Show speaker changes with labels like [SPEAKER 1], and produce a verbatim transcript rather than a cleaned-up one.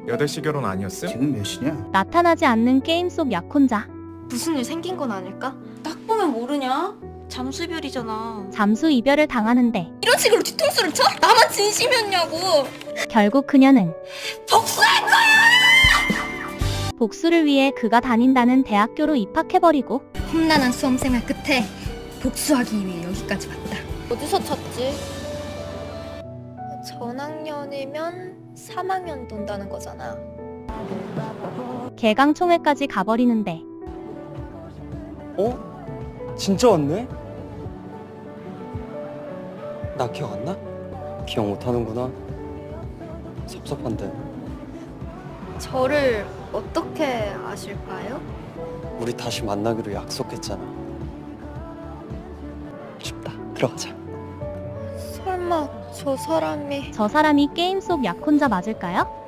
[SPEAKER 1] 여덟 시 결혼 아니었음?
[SPEAKER 2] 지금 몇 시냐?
[SPEAKER 3] 나타나지 않는 게임 속 약혼자.
[SPEAKER 4] 무슨 일 생긴 건 아닐까?
[SPEAKER 5] 딱 보면 모르냐? 잠수별이잖아.
[SPEAKER 3] 잠수 이별을 당하는데
[SPEAKER 5] 이런 식으로 뒤통수를 쳐? 나만 진심이었냐고.
[SPEAKER 3] 결국 그녀는
[SPEAKER 5] 복수할 거야!
[SPEAKER 3] 복수를 위해 그가 다닌다는 대학교로 입학해버리고
[SPEAKER 5] 험난한 수험생활 끝에 복수하기 위해 여기까지 왔다.
[SPEAKER 4] 어디서 찾지? 전학년이면 삼 학년 돈다는 거잖아.
[SPEAKER 3] 개강총회까지 가버리는데
[SPEAKER 6] 어? 진짜 왔네? 나 기억 안 나? 기억 못하는구나. 섭섭한데.
[SPEAKER 4] 저를 어떻게 아실까요?
[SPEAKER 6] 우리 다시 만나기로 약속했잖아. 춥다. 들어가자.
[SPEAKER 4] 설마 저 사람이
[SPEAKER 3] 저 사람이 게임 속 약혼자 맞을까요?